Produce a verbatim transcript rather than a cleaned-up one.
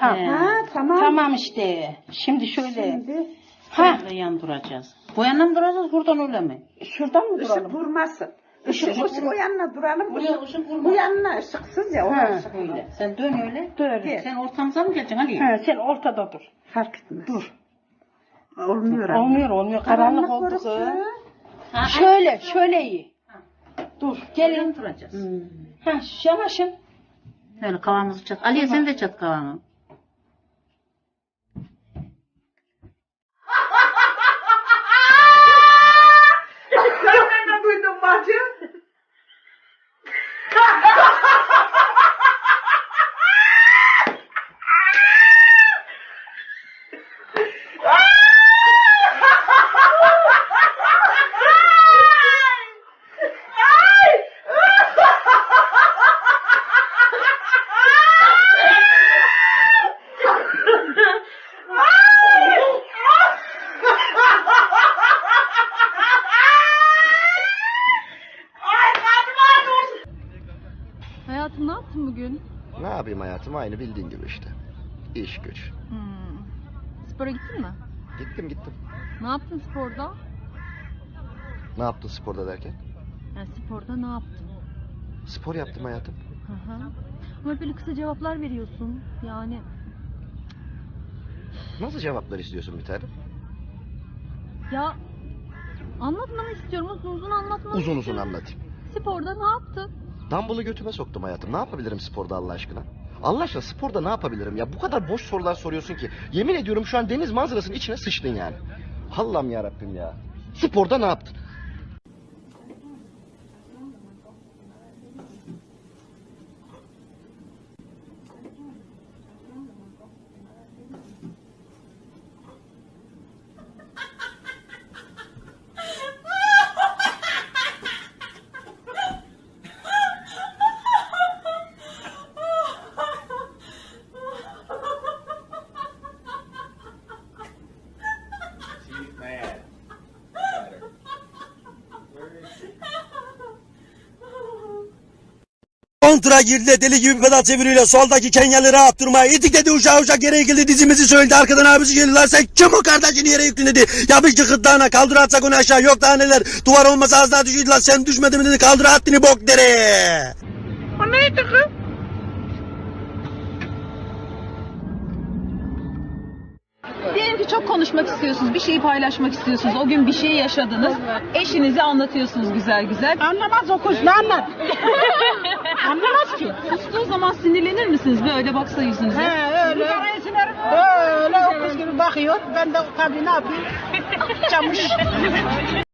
Ha, He. ha tamam. Tamam işte. Şimdi şöyle. Şimdi Ha. Böyle yan duracağız. Bu yana mı duracağız, buradan öyle mi? Şuradan mı ışık duralım? vurmasın. Işık Işık, ışık o yanına duralım. Buraya ışık- ışık vurma. Bu yanına ışıksız ya. Ha, Oraya ışık Öyle. öyle. Sen dön öyle. Böyle. Sen ortamıza mı geleceksin Ali? Ha, sen ortada dur. Fark etmez. Dur. Olmuyor ama. Olmuyor olmuyor. Karanlık oldu kız. orası. Ha, Şöyle şöyle iyi. Dur Gelin gelin. duracağız. Hmm. Ha yanaşın. Öyle kavanozu çat. Aliye sen de çat kavanı. Sen ne duydun bacı? Hayatım ne yaptın bugün? Ne yapayım hayatım, aynı bildiğin gibi işte. İş güç. Hmm. Spora gittin mi? Gittim gittim. Ne yaptın sporda? Ne yaptın sporda derken? Yani sporda ne yaptın? Spor yaptım hayatım. Hı hı. Ama böyle kısa cevaplar veriyorsun. Yani Nasıl cevaplar istiyorsun bir tane? ya anlatmanı istiyorum. Uzun uzun anlatmanı Uzun uzun istiyorum. anlatayım. Sporda ne yaptın? Dumbbell'ı götüme soktum hayatım. Ne yapabilirim sporda Allah aşkına? Allah aşkına sporda ne yapabilirim ya? Bu kadar boş sorular soruyorsun ki. Yemin ediyorum şu an deniz manzarasının içine sıçtın yani. Allah'ım ya Rabbim ya. Sporda ne yaptın? She's mad. Got her. Where is she? Kontra girdi, deli gibi pedal çeviriyle soldaki Kenyalı rahat durmaya itik dedi, uşağı uşak yere yıkıldı, dizimizi söyledi, arkadan abisi geldi, lan sen kim o kardeşini yere yıktın dedi, yapış ki gırtlağına, kaldır atsak onu aşağı, yok daha neler, duvar olmasa az daha düşüydü, lan sen düşmedin mi dedi, kaldır attını bok dere. O neydi kız? Diyelim ki çok konuşmak istiyorsunuz, bir şeyi paylaşmak istiyorsunuz. O gün bir şey yaşadınız. Eşinize anlatıyorsunuz güzel güzel. Anlamaz o kuş ne anlat? Anlamaz ki. Sustuğu zaman sinirlenir misiniz? Böyle baksa yüzünüze. He öyle. Öyle o kız gibi bakıyor. Ben de tabii ne yapayım? Çamış.